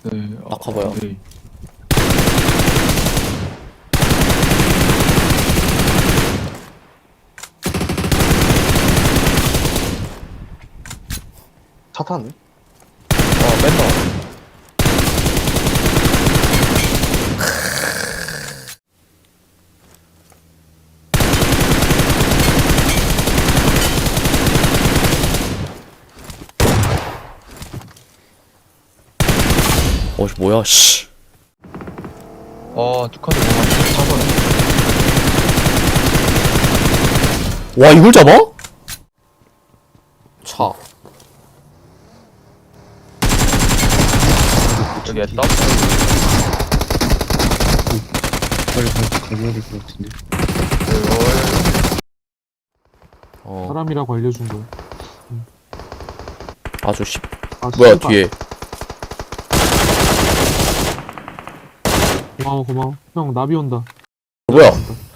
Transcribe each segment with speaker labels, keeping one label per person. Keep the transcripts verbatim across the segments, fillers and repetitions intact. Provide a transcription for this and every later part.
Speaker 1: 네. 어,
Speaker 2: 낙하봐요.
Speaker 1: 네.
Speaker 3: 차 타네?
Speaker 2: 아, 뺀다. 어이, 뭐야, 씨.
Speaker 1: 아, 두 칸을 보면 잡아네.
Speaker 2: 와, 이걸 잡아? 차.
Speaker 1: 여기 했다?
Speaker 3: 빨리 가, 가져야 될 것 같은데.
Speaker 2: 어,
Speaker 4: 사람이라고 알려준 거야.
Speaker 2: 아주 씨.
Speaker 4: 아,
Speaker 2: 뭐야,
Speaker 4: 씨발.
Speaker 2: 뒤에.
Speaker 4: 고마워, 고마워. 형, 나비 온다.
Speaker 2: 뭐야?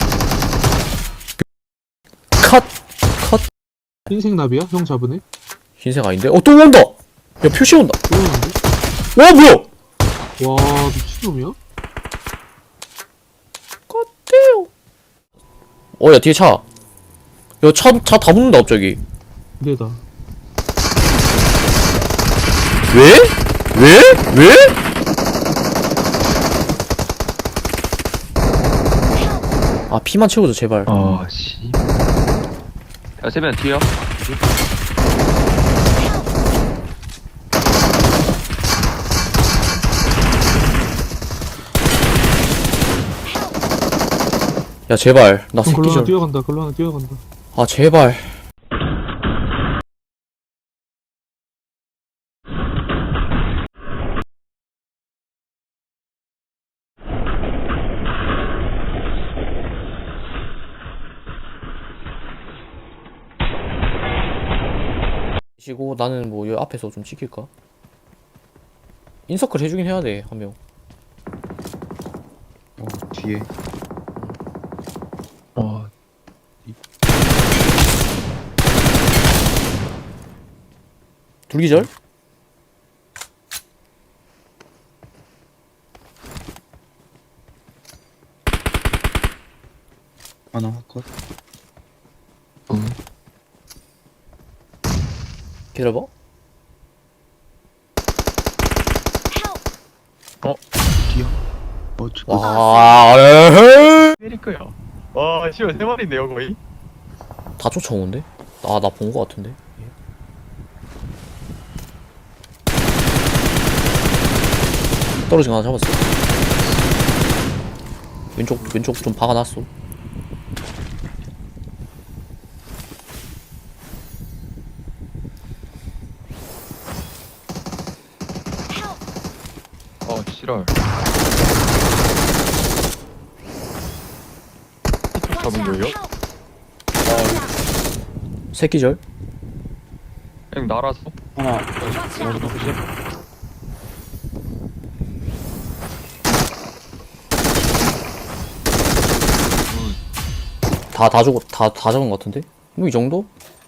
Speaker 2: 컷! 컷!
Speaker 4: 흰색 나비야? 형 잡으네?
Speaker 2: 흰색 아닌데? 어, 또 온다! 야, 표시 온다!
Speaker 4: 또 오는데?
Speaker 2: 와, 뭐야!
Speaker 4: 와, 미친놈이야?
Speaker 2: 껐대요. 어, 야, 뒤에 차. 야, 차, 차 다 붙는다, 갑자기.
Speaker 4: 내다.
Speaker 2: 왜? 왜? 왜? 아, 피만 채워줘, 제발.
Speaker 1: 아, 씨. 야, 세면 뒤야?
Speaker 2: 야, 제발. 나
Speaker 4: 형, 글로 하나
Speaker 2: 새끼절.
Speaker 4: 뛰어간다, 글로 하나 뛰어간다.
Speaker 2: 아, 제발. 시고 나는 뭐 여기 앞에서 좀 지킬까? 인서클 해주긴 해야 돼, 한 명.
Speaker 3: 어, 뒤에.
Speaker 1: 어,
Speaker 2: 둘기절?
Speaker 3: 하나 컷.
Speaker 1: 응.
Speaker 2: 기다려봐.
Speaker 1: 어, 뒤야?
Speaker 3: 어, 저,
Speaker 2: 와, 에헤이.
Speaker 1: 페리크야. 와, 씨발, 세 마리인데요, 거의?
Speaker 2: 다 쫓아오는데? 아, 나 본 거 같은데? 떨어진 거 하나 잡았어. 왼쪽, 왼쪽 좀 박아놨어.
Speaker 1: 아, 씨랄. 이쪽 잡은 거예요?
Speaker 2: 새끼절?
Speaker 1: 그냥 날아서?
Speaker 3: 하나.
Speaker 1: 어디 보시?
Speaker 2: 다, 다 죽었, 다, 다 잡은 거 같은데? 뭐 이 정도?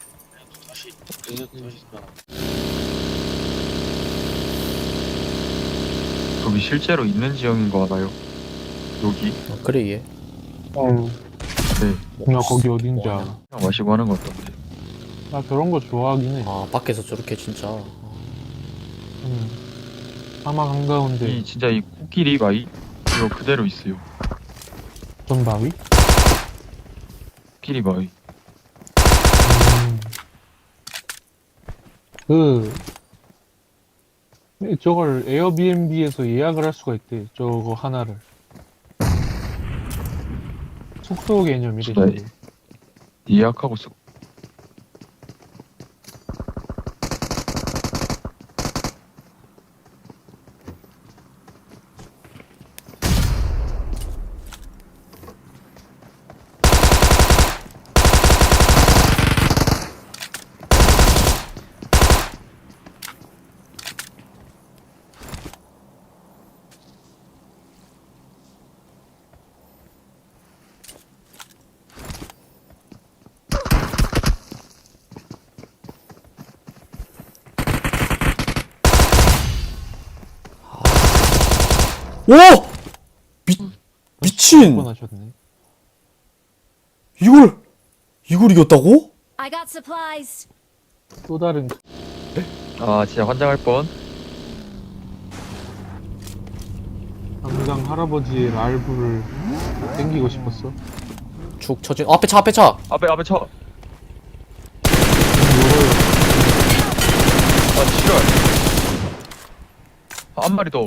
Speaker 1: 여기 실제로 있는 지형인 거 알아요? 여기?
Speaker 2: 아, 그래, 얘.
Speaker 4: 어.
Speaker 1: 네.
Speaker 4: 나 거기 어딘지 알아.
Speaker 1: 그냥 마시고 하는 거 같던데.
Speaker 4: 나 저런 거 좋아하긴 해.
Speaker 2: 아, 밖에서 저렇게 진짜.
Speaker 4: 응. 사막 한가운데
Speaker 1: 이, 진짜 이 코끼리 바위? 이거 그대로 있어요.
Speaker 4: 전 바위?
Speaker 1: 코끼리 바위.
Speaker 4: 음. 그, 네, 저걸 에어비앤비에서 예약을 할 수가 있대. 저거 하나를. 숙소 개념이래.
Speaker 1: 네.
Speaker 4: 저거.
Speaker 1: 예약하고 쓰
Speaker 2: 와! 미, 미친!
Speaker 4: 번 하셨네.
Speaker 2: 이걸, 이걸 이겼다고?
Speaker 5: I got supplies.
Speaker 4: 또 다른
Speaker 1: 아 진짜 환장할 뻔.
Speaker 4: 강강 할아버지의 랄브를 땡기고 싶었어.
Speaker 2: 축 처진, 어, 앞에 차, 앞에 차!
Speaker 1: 앞에 앞에 쳐.
Speaker 4: 이거를
Speaker 1: 아 싫어. 아, 한 마리 더.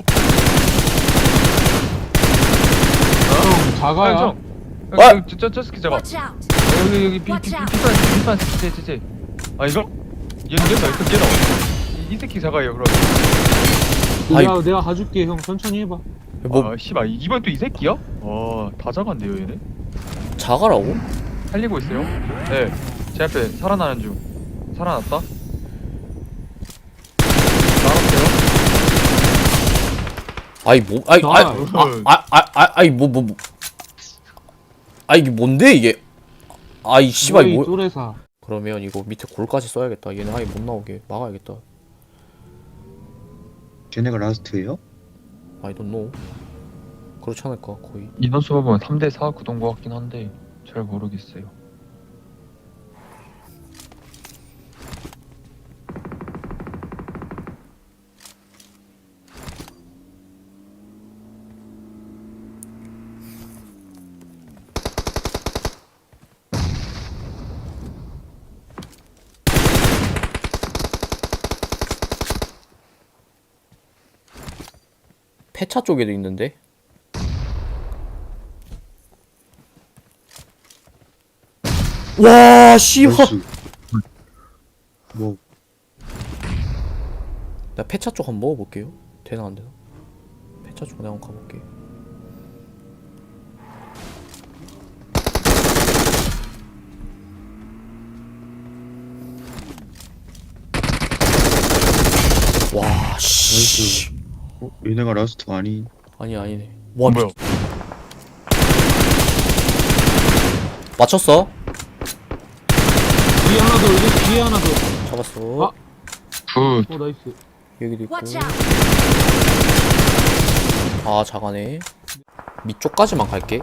Speaker 4: 형 자가야.
Speaker 1: 형, 형.
Speaker 2: 아!
Speaker 1: 여기 저, 저, 저 스키 잡아.
Speaker 5: Watch out.
Speaker 1: 여기 여기 비, 비, 비, 비싼 비싼 스키 제, 제, 제. 아 이거? 얘는 얘다 이거 얘다. 이, 이 새끼 작아요 그럼.
Speaker 2: 아이.
Speaker 4: 내가 내가 가줄게. 형 천천히 해봐.
Speaker 2: 뭐,
Speaker 1: 아 씨발 이번 또 이 새끼야? 와다 작았네요 얘네.
Speaker 2: 자가라고?
Speaker 1: 살리고 있어요? 네. 제 앞에 살아나는 중. 살아났다. 나갔어요?
Speaker 2: 아이, 뭐, 아이,
Speaker 4: 나-
Speaker 2: 아이, 아, 아, 아, 아, 아이, 뭐, 뭐, 뭐. 아, 이게 뭔데, 이게? 아이, 씨발,
Speaker 4: 너희
Speaker 2: 뭐.
Speaker 4: 또래사.
Speaker 2: 그러면 이거 밑에 골까지 써야겠다. 얘네 아예 못 나오게 막아야겠다.
Speaker 3: 쟤네가 라스트예요?
Speaker 2: I don't know. 그렇지 않을까, 거의.
Speaker 1: 인원수 보면 삼 대 사 구동 것 같긴 한데 잘 모르겠어요.
Speaker 2: 폐차 쪽에도 있는데? 와, 씨발!
Speaker 3: 나이스. 뭐
Speaker 2: 나 폐차 쪽 한번 먹어볼게요. 되나 안 되나? 폐차 쪽 내가 한번 가볼게. 와, 씨.
Speaker 3: 나이스. 어? 얘네가 라스트가 아닌.
Speaker 2: 아니, 아니네. 와,
Speaker 1: 뭐야?
Speaker 2: 미... 맞췄어?
Speaker 4: 뒤에 하나 더. 여기 뒤에 하나 더.
Speaker 2: 잡았어.
Speaker 4: 아.
Speaker 1: 굿.
Speaker 4: 어 나이스.
Speaker 2: 여기도 있고.
Speaker 5: Watch out.
Speaker 2: 아, 작아네. 밑쪽까지만 갈게.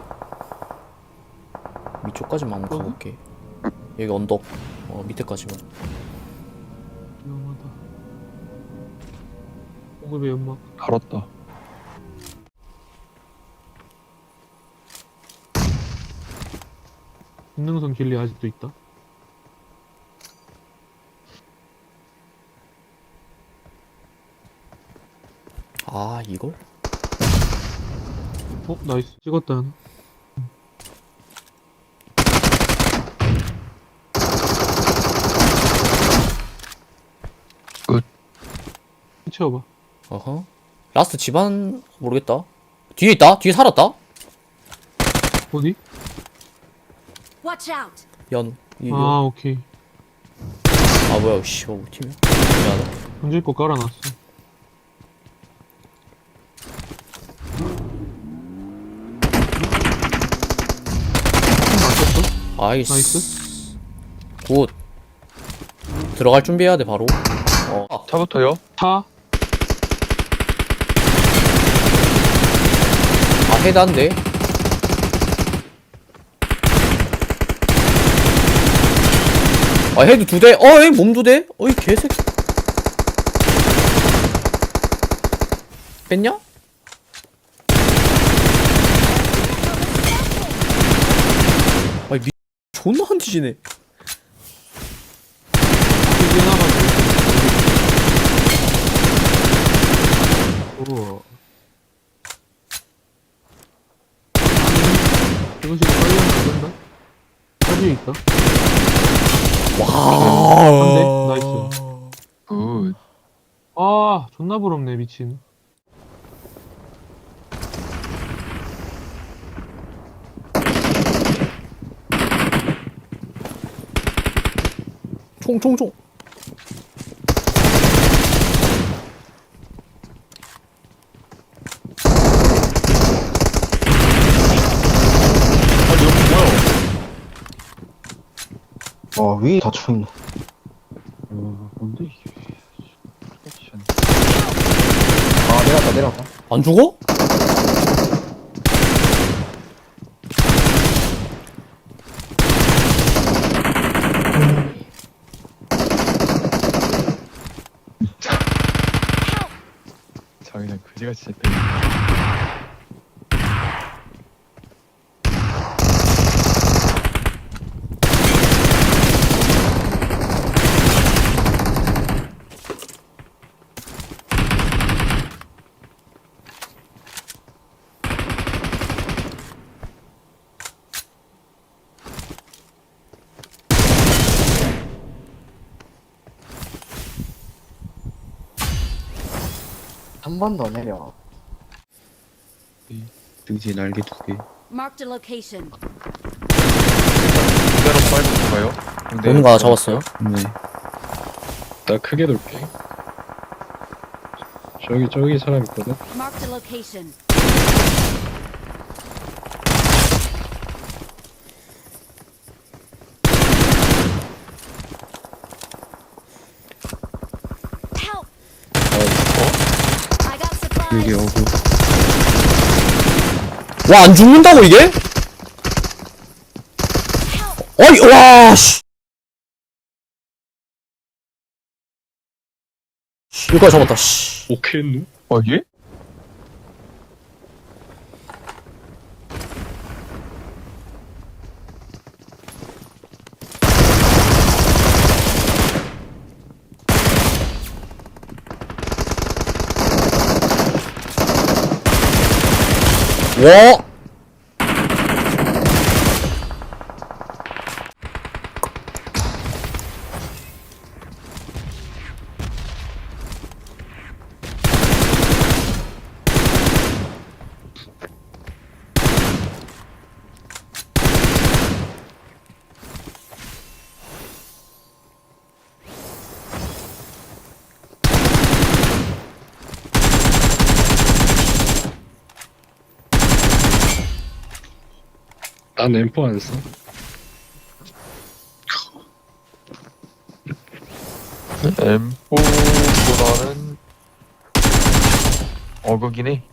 Speaker 2: 밑쪽까지만 한번
Speaker 4: 어?
Speaker 2: 가볼게. 여기 언덕. 어, 밑에까지만.
Speaker 4: 위험하다. 공급의 연막.
Speaker 1: 갈았다.
Speaker 4: 김능선 길리 아직도 있다.
Speaker 2: 아, 이걸?
Speaker 4: 어 나이스. 찍었다 하나.
Speaker 1: 끝.
Speaker 4: 채워봐.
Speaker 2: 어허. 라스트 집안 모르겠다. 뒤에 있다. 뒤에 살았다.
Speaker 4: 어디?
Speaker 5: Watch out.
Speaker 2: 연. 이,
Speaker 4: 아
Speaker 2: 연.
Speaker 4: 오케이.
Speaker 2: 아 뭐야? 씨, 우리 팀이야. 미안하다.
Speaker 4: 던질 거 깔아놨어. 맞췄어?
Speaker 2: 아이스.
Speaker 4: 나이스.
Speaker 2: 굿. 들어갈 준비해야 돼 바로. 어. 아,
Speaker 1: 차부터요?
Speaker 4: 차.
Speaker 2: 아 헤드 한 대. 아 헤드 두 대. 어이 몸 두 대. 어이 개새끼. 뺐냐? 아이 미 존나 한 뒤지네.
Speaker 4: 뒤에 나가지고. 오. 이거 지금 빨리 하면 안 된다. 사진에 있다.
Speaker 2: 와.
Speaker 4: 한 대. 나이스.
Speaker 1: 굿.
Speaker 4: 아 존나 부럽네 미친.
Speaker 2: 총총총.
Speaker 1: 아니 여기 뭐야?
Speaker 6: 와 위에 닫혀있네.
Speaker 3: 어 뭔데 이게.
Speaker 6: 아 내려왔다 내려왔다.
Speaker 2: 안 죽어?
Speaker 1: 그냥 그지같이 잡혀.
Speaker 6: 한 번 더 내려.
Speaker 3: 등지에 날개 두 개.
Speaker 5: Marked a location.
Speaker 1: 그대로 빨고 들어가요. 근데
Speaker 2: 오는 거 하나 잡았어요.
Speaker 3: 네.
Speaker 7: 나 크게 돌게. 저기 저기 사람 있거든.
Speaker 5: Marked a location. Help! I got
Speaker 3: 여기
Speaker 5: supplies.
Speaker 3: 어구.
Speaker 2: 와, 안 죽는다고, 이게? 아니, 와, 씨. 씨, 이거 잡았다, 씨.
Speaker 7: 오케이 했누?
Speaker 1: 어 예?
Speaker 2: 와!
Speaker 7: 난 엠포 안 써.
Speaker 1: 엠포보다는 어그긴 해.